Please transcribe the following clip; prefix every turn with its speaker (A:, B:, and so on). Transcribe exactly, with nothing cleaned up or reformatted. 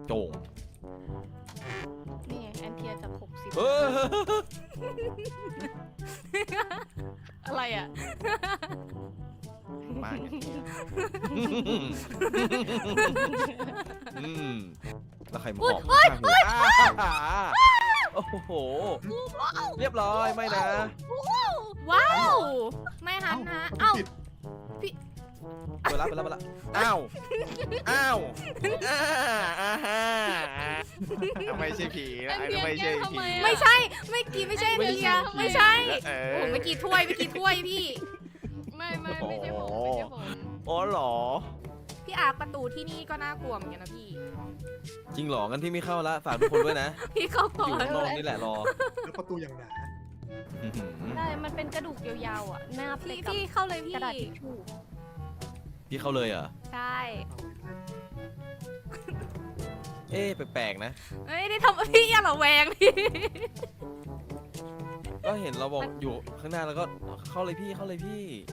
A: โจง
B: นี่ไงแอนเทียจากหกสิบ
A: เออ
B: อะไรอ่ะ
A: มากอืมแล้วใครมาหอมข้างหูอ้าโอ้โหเรียบร้อยไม่นะ
B: ว้าวไม่หันฮะเอ้า
A: ไปรับไปรับไปรับอ้าวอ้าวอ้าอ้าฮ่าไม่ใช่ผีนะไม่ใช่ผี
B: ไม่ใช่ไม่กี่ไม่ใช่เทียไม่ใช่
A: เอ
B: โอ้
A: อ
B: โหเมื่อกี้ถ้วยเมื่อกี้ถ้วยพี่
C: ไม่ไม่ไม่ใช่ผมไม่ใช่ผม
A: อ๋อเหรอ
B: พี่อาร์ประตูที่นี่ก็น่ากลัวเหมือนกันนะพี่
A: จริงเหรองั้นที่ไม่เข้าละฝากทุกคนด้วยนะ
B: พี่เข้า
A: อ
B: ก่อยู่ น
A: ข้างนอกนี่แหละรอ
D: แล้วประตูอย่างหนา
A: อื้อหือ
C: ใช่มันเป็นกระดูกยาวๆอ่ะหน้าไป
B: พี่
C: กับ
B: พี่เข้าเลยพี่
C: กระดาษทิชชู่
A: พี่เข้าเลยเหรอ
B: ใช่
A: เอ๊ะแปลกๆนะ
B: เอ้ยได้ทำพี่อย่าระแวงพี่
A: ก็เห็นเราบอกอยู่ข้างหน้าแล้วก็เข้าเลยพี่เข้าเลยพี่